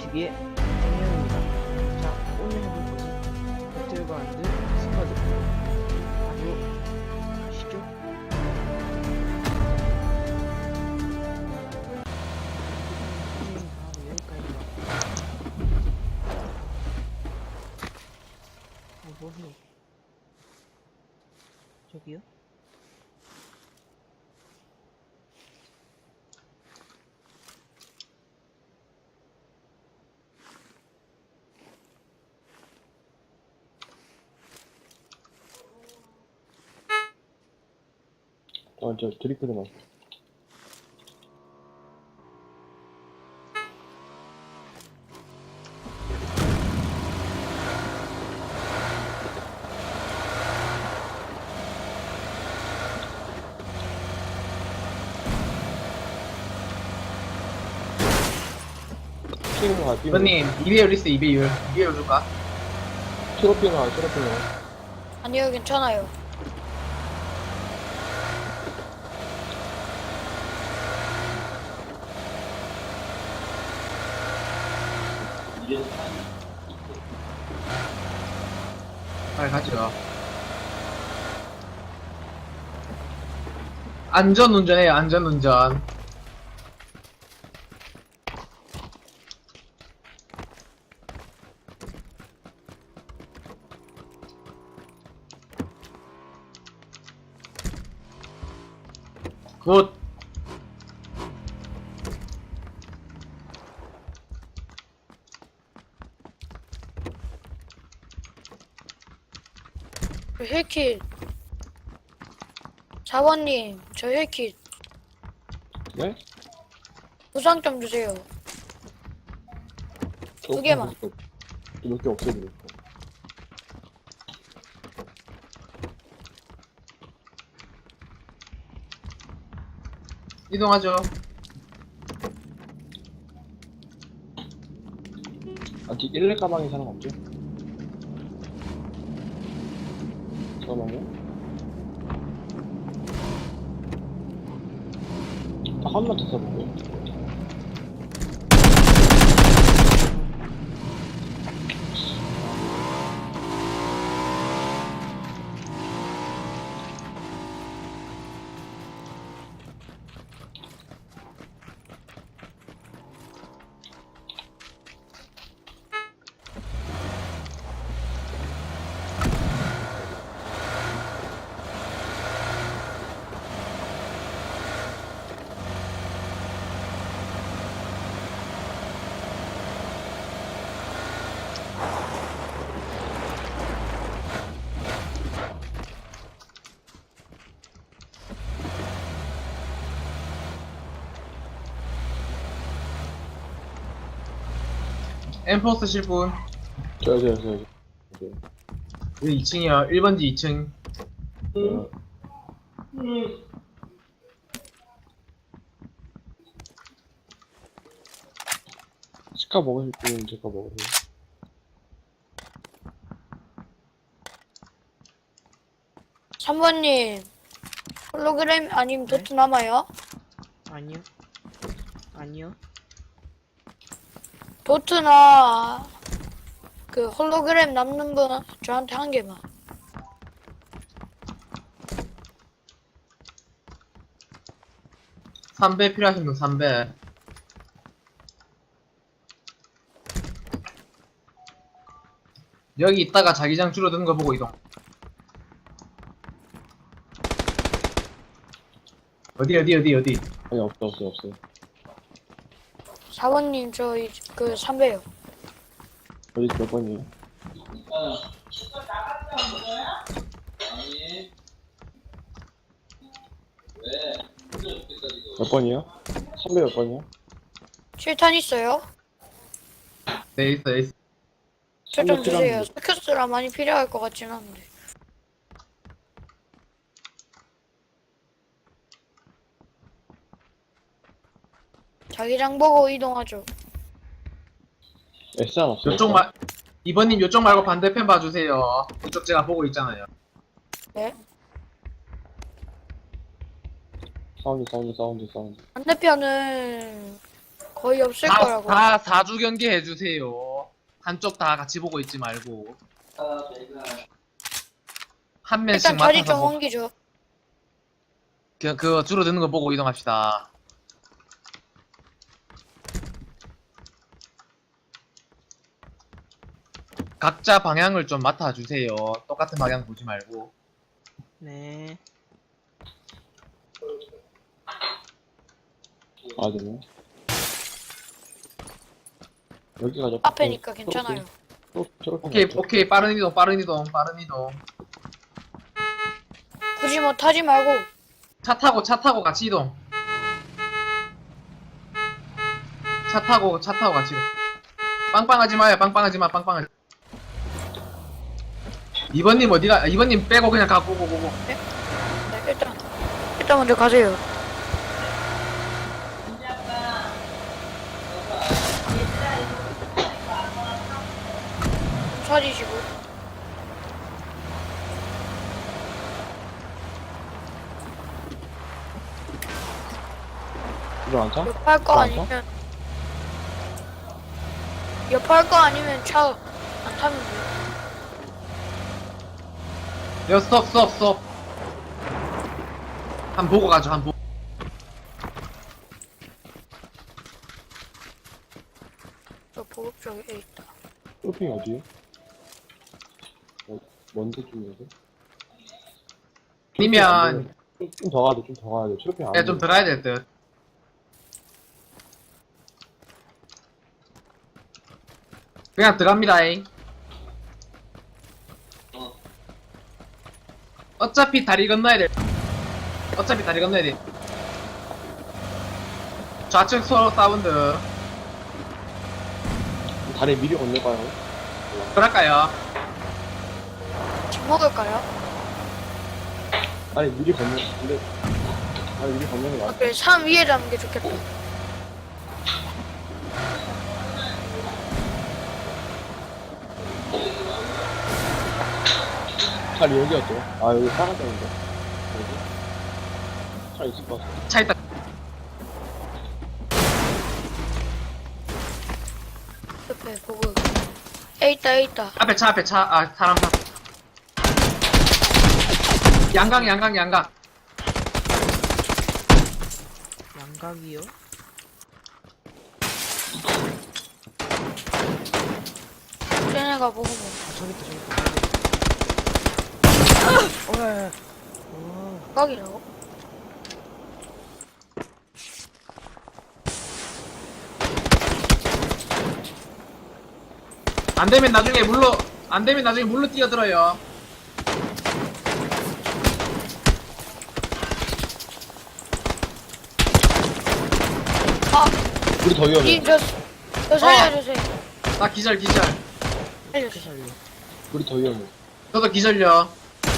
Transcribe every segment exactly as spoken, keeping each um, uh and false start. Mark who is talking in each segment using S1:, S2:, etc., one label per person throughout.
S1: 안녕하시기에 정현입니다. 자, 오늘 해볼 것은 배틀그라운드 스쿼드. 바로 가시죠. 음, 바로 여기까지가. 어, 뭐해? 저기요?
S2: 어, 저 드리프트 나. 핑 가, 핑.
S3: 이번님 이 배율 있어. 이 배율 이 배율 줄까?
S2: 트로핑 가, 트로핑 가.
S4: 아니요, 괜찮아요.
S3: 빨리 가죠. 안전운전해요. 안전운전. 굿.
S4: 저 힐킷. 사원님, 저 힐킷.
S2: 네?
S4: 부상 좀 주세요. 두 개만.
S2: 몇 개 없애드릴게요.
S3: 이동하죠.
S2: 아직 일 렙 가방에 사람 없죠? 잠깐만요. 딱 한 번 더 써볼게요.
S3: 엠포 쓰실 분.
S2: 저요, 저요, 저요. 저요.
S3: 여기 이 층이요. 일 번지 이 층.
S2: 네. 치카 먹으실 분은 제가 먹으세요.
S4: 삼 번님, 홀로그램 아니면
S1: 네?
S4: 도트 남아요?
S1: 아니요. 아니요.
S4: 도트나 그 홀로그램 남는 분 저한테 한 개만.
S3: 삼 배 필요하신 분 삼 배. 여기 있다가 자기장 줄어드는 거 보고 이동. 어디 어디 어디 어디.
S2: 아니, 없어, 없어, 없어요.
S4: 사원님, 저 그 삼 배요.
S2: 어디 몇 번이에요? 몇 번이요? 선배 몇 번이요?
S4: 칠 탄 있어요?
S3: 네 있어 있어.
S4: 저 좀
S2: 삼백
S4: 주세요.
S2: 필요합니다.
S4: 스큐스라 많이 필요할 것 같진 않은데. 자기장 보고 이동하죠.
S2: 에스안 없어요?
S3: 요쪽 말 이번님 요쪽 말고 반대편 봐주세요. 이쪽 제가 보고 있잖아요.
S4: 네?
S2: 사운드, 사운드, 사운드, 사운드.
S4: 반대편은 거의 없을
S3: 다,
S4: 거라고.
S3: 다 사주 경계 해주세요. 한쪽 다 같이 보고 있지 말고. 한 명씩
S4: 일단 자리
S3: 맡아서
S4: 좀
S3: 보,
S4: 옮기죠.
S3: 그, 그 줄어드는 거 보고 이동합시다. 각자 방향을 좀 맡아주세요. 똑같은 방향 보지 말고.
S1: 네.
S2: 아, 되네. 여기 가자.
S4: 앞에니까 괜찮아요.
S2: 또, 저렇게.
S3: 오케이,
S2: 가자.
S3: 오케이. 빠른 이동, 빠른 이동, 빠른 이동.
S4: 굳이 뭐 타지 말고.
S3: 차 타고, 차 타고 같이 이동. 차 타고, 차 타고 같이 이동. 빵빵하지 마요, 빵빵하지 마, 빵빵하지 마. 이번님 어디가, 이번님 빼고 그냥 가고, 고고, 고고.
S4: 네, 일단 일단 먼저 가세요. 차리시고.
S2: 이거 안 차?
S4: 옆할 거
S2: 안
S4: 아니면 옆할 거 아니면 차 안 타면 돼요.
S3: 여, 스톱, 스톱, 스톱. 한 보고 가죠, 한 보고.
S4: 저 보급 쪽에 있다.
S2: 쇼핑 어디에? 어, 뭔데 쪽이어서?
S3: 아니면,
S2: 좀 더 가야 돼, 좀 더 가야 돼. 쇼핑 안
S3: 야, 좀
S2: 돼.
S3: 들어야 될 듯. 그냥 들어갑니다잉. 어차피 다리 건너야 돼. 어차피 다리 건너야 돼. 좌측 서로 사운드.
S2: 다리 미리 건너가요.
S3: 그럴까요?
S4: 집 먹을까요?
S2: 아니, 미리 건너, 근데, 아니, 미리 건너는 게
S4: 아,
S2: 낫다.
S4: 그래 산 위에 잡는 게 좋겠다.
S2: 차리 여기였죠? 아, 여기 사라졌는데. 여기? 차 있을 것 같아.
S3: 차 있다.
S4: 옆에 보급. 에 있다 에 있다.
S3: 앞에 차, 앞에 차. 아, 사람, 사람. 양강, 양강, 양강.
S1: 양각이요?
S4: 쟤네가 보급.
S1: 아, 저기 있다, 저기 있다. 어, 야, 야. 와,
S4: 각이라고?
S3: 안 되면 나중에 물로, 안 되면 나중에 물로 뛰어들어요.
S4: 아,
S2: 우리 더 위험해.
S4: 이, 저, 저 살려주세요.
S3: 나 기절, 기절.
S4: 살려주세요.
S1: 살려.
S2: 우리 더 위험해.
S3: 저도 기절요.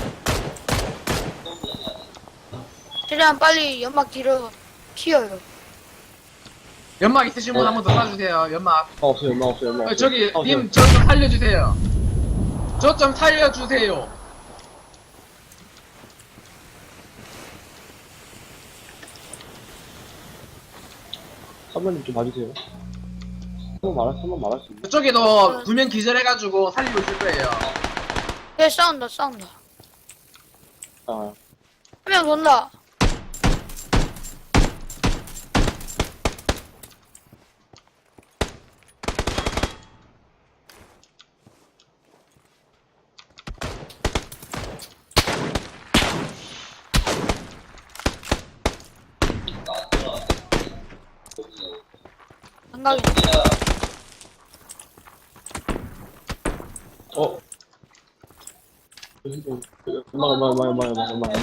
S4: 최대한 빨리 연막 뒤로 튀어요.
S3: 연막 있으신 분 한 번 더 쏴주세요. 연막.
S2: 아, 없어요, 엄마 없어요, 엄마
S3: 어,
S2: 없어요.
S3: 저기,
S2: 아,
S3: 님, 저 좀 살려주세요. 저 좀 살려주세요.
S2: 선배님 좀 봐주세요. 한번 말할, 한번 말할 수 있나?
S3: 저쪽에도 두 명 기절해가지고 살리고 있을 거예요.
S4: 예, 싸운다, 싸운다.
S2: 아,
S4: 한 명 돈다. 안가긴.
S2: 어? 엄마, 엄마, 엄마, 엄마, 엄마, 엄마, 엄마.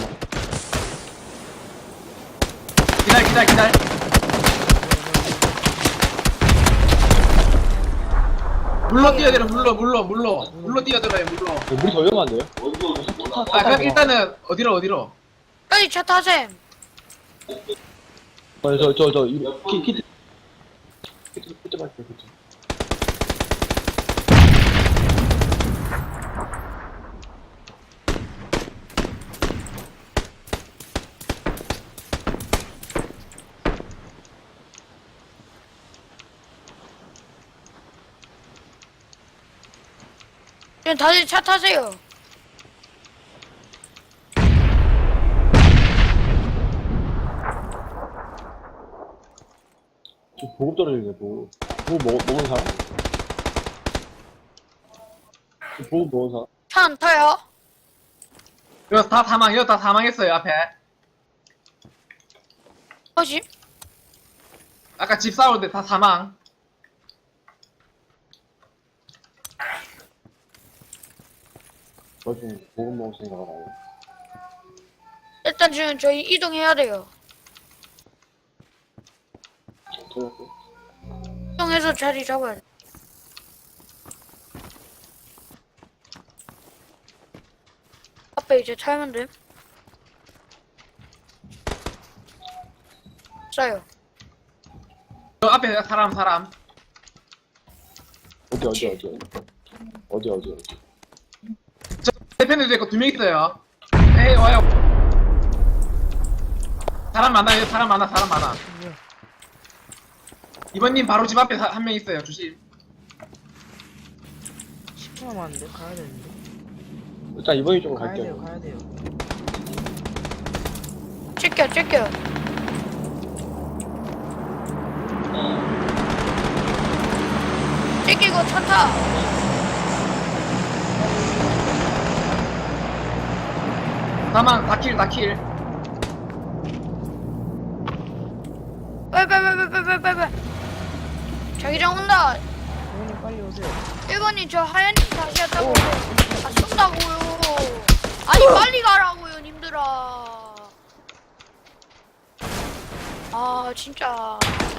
S3: 기다려, 기다려, 기다려. 물로 뛰어들어, 물로, 물로, 물로. 물로 뛰어들어요, 물로.
S2: 물이 더 위험한데요?
S3: 아, 그럼 일단은, 어디로, 어디로?
S4: 빨리 차 타셈.
S2: 어, 저, 저, 저, 이, 키, 키트. 키트, 키트 말게요, 키트.
S4: 지금 다들 차 타세요.
S2: 저 보급 떨어지네, 보급. 보급 먹, 먹은 사람? 저 보급 먹은 사람?
S4: 차 안 타요?
S3: 이거 다 사망, 이거 다 사망했어요, 앞에.
S4: 뭐지?
S3: 아까 집 싸울 때 다 사망.
S2: 저 지금 보급 먹었으니까 나가요.
S4: 일단 지금 저희 이동해야 돼요.
S2: 어떻게 할게?
S4: 이동해서 자리 잡아야 돼. 앞에 이제 타면 돼. 싸요.
S3: 저 앞에 사람, 사람.
S2: 어디, 어디, 어디, 어디. 어디, 어디, 어디.
S3: 저 대표님도 있고 두 명 있어요. 에이, 와요. 사람 많아요, 사람 많아, 사람 많아.
S1: 뭐야?
S3: 이번님 바로 집 앞에 한 명 있어요, 조심.
S1: 십 분 남았는데 가야 되는데.
S2: 일단 이번이 쪽으로
S1: 가야
S2: 갈게요.
S1: 돼요, 가야 돼요.
S4: 찍겨, 찍겨. 찍히고 차 타.
S3: 사망, 다 킬, 다 킬.
S4: 빨빨빨빨빨빨빨. 자기장 온다.
S1: 부모님 빨리 오세요.
S4: 일 번님 저 하얀님 다시 왔다고. 아 쏜다고요. 아니 빨리 가라고요 님들아. 아 진짜.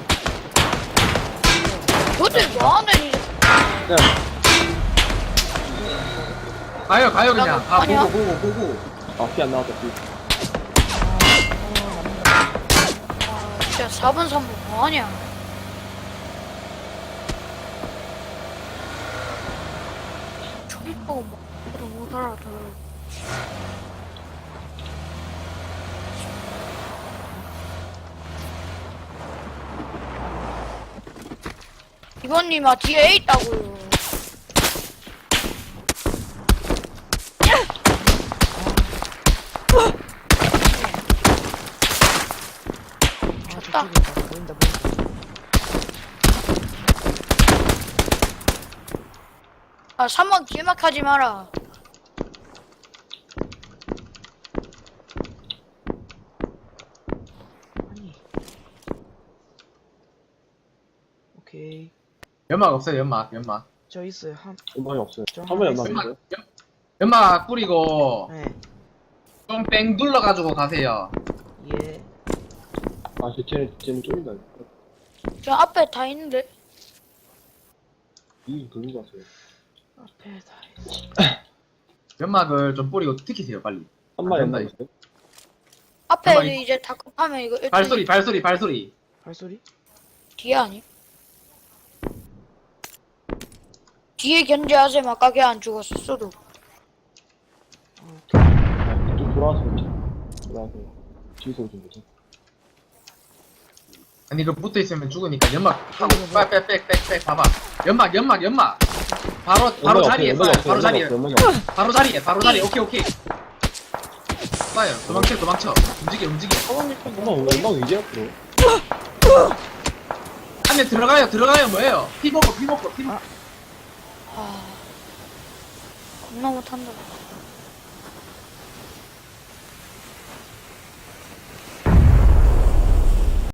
S4: 도대체 뭐하는 이
S2: 네.
S3: 가요, 가요, 그냥. 아,
S4: 아니야.
S3: 보고, 보고, 보고.
S2: 아, 피 안 나왔다, 피.
S4: 아 진짜 사 번 삼 번 뭐하냐. 저기 보고 뭐 못 알아들어. 이번님 아 뒤에 있다고요.
S1: 아,
S4: 졌다.
S1: 저쪽에 있다. 보인다, 보인다.
S4: 아 삼 번 길막하지 마라.
S1: 아니. 오케이.
S3: 연막 없어요, 연막, 연막.
S1: 저 있어요. 한,
S2: 연막이 없어요.
S1: 저
S2: 한 번에
S1: 하나
S2: 연막
S3: 연막,
S2: 있어요?
S3: 연, 연막 뿌리고,
S1: 네.
S3: 좀 뺑 눌러가지고 가세요.
S1: 예.
S2: 아, 쟤, 쟤는, 쟤는 쫄린다.
S4: 저 앞에 다 있는데.
S2: 이 돌린 것 같아요.
S1: 앞에 다 있어.
S3: 연막을 좀 뿌리고 튀기세요, 빨리.
S2: 한 마리
S3: 안
S2: 연막
S3: 된다,
S2: 있어요?
S4: 앞에
S3: 잠깐만,
S4: 이제 다 급하면 이거 일단
S3: 발소리, 발소리, 발소리.
S1: 발소리?
S4: 뒤에 아니? 뒤에 견제하세요. 아까 걔 안 죽었어도.
S1: 아, 오케이.
S2: 아, 좀 돌아와서 그렇지. 돌아와서. 뒤에서 오지 못해.
S3: 아니, 이거 붙어 있으면 죽으니까 연막 하고,
S1: 어, 뭐야.
S3: 빽, 빽, 빽, 빽, 봐봐. 연막, 연막, 연막. 바로, 바로
S2: 연막이
S3: 자리에
S2: 없어요,
S3: 쏴요, 바로
S2: 연막이
S3: 자리에.
S2: 없어요, 연막이 없어요.
S3: 바로 자리에, 바로 자리에. 오케이, 오케이. 쏴요, 도망쳐, 도망쳐. 움직여, 움직여.
S2: 연막, 연막 이제 앞으로.
S3: 안에 들어가요, 들어가요, 뭐예요? 피 먹고, 피 먹고, 피 먹고.
S4: 아 겁나 못한다.